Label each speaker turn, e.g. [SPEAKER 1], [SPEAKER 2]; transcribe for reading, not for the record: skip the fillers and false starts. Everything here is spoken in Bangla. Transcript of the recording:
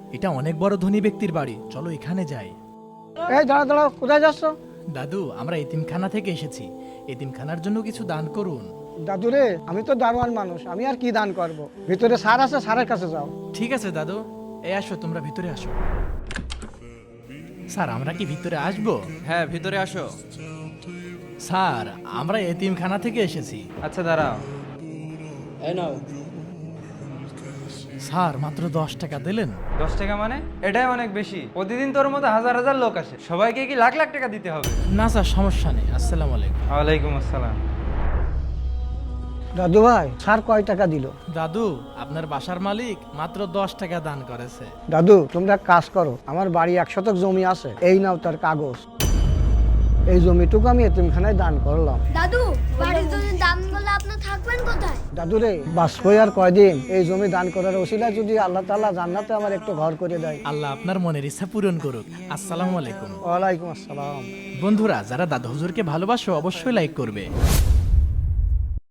[SPEAKER 1] এটা অনেক বড় ধনী ব্যক্তির বাড়ি, চলো এখানে যাই।
[SPEAKER 2] এই দাঁড়া দাঁড়াও, কোথায় যাচ্ছ?
[SPEAKER 1] দাদু, আমরা এতিমখানা থেকে এসেছি, এতিমখানার জন্য কিছু দান করুন।
[SPEAKER 2] দাদু রে, আমি তো দারোয়ান মানুষ, আমি আর কি দান করব? ভিতরে স্যার আছে, স্যারের কাছে যাও।
[SPEAKER 1] ঠিক আছে দাদু, এই আসো, তোমরা ভিতরে আসো। স্যার, আমরা কি ভিতরে আসবো?
[SPEAKER 3] হ্যাঁ, ভিতরে আসো।
[SPEAKER 1] স্যার, আমরা এতিমখানা থেকে এসেছি।
[SPEAKER 3] আচ্ছা, দাঁড়াও।
[SPEAKER 2] এই নাও।
[SPEAKER 1] স্যার, মাত্র 10 টাকা দিলেন।
[SPEAKER 3] 10 টাকা মানে? এটাই অনেক বেশি। প্রতিদিন তোর মতো হাজার হাজার লোক আসে, সবাইকে কি লাখ লাখ টাকা দিতে হবে?
[SPEAKER 1] না স্যার, সমস্যা নেই। আসসালামু আলাইকুম।
[SPEAKER 3] ওয়ালাইকুম আসসালাম।
[SPEAKER 2] দাদু ভাই, স্যার কয় টাকা দিল?
[SPEAKER 1] দাদু, আপনার বাসার মালিক মাত্র 10 টাকা দান করেছে।
[SPEAKER 2] দাদু, তোমরা এক কাজ করো, আমার বাড়ি 1 শতক জমি আছে, এই নাও তার কাগজ। এই জমিটুকু আমি এতিমখানায় দান করলাম।
[SPEAKER 4] দাদু, বাড়ির জন্য দাম গুলো আপনার থাকবেন কোথায়?
[SPEAKER 2] দাদু রে, বাঁচবই আর কয়দিন? এই জমি দান করার ওসিলায় যদি আল্লাহ তাআলা জান্নাতে আমার একটু ঘর করে দেয়।
[SPEAKER 1] আল্লাহ আপনার মনের ইচ্ছা পূরণ করুক। আসসালামু আলাইকুম।
[SPEAKER 2] ওয়ালাইকুম আসসালাম।
[SPEAKER 1] বন্ধুরা, যারা দাদু হুজুরকে ভালোবাসো অবশ্যই লাইক করবে।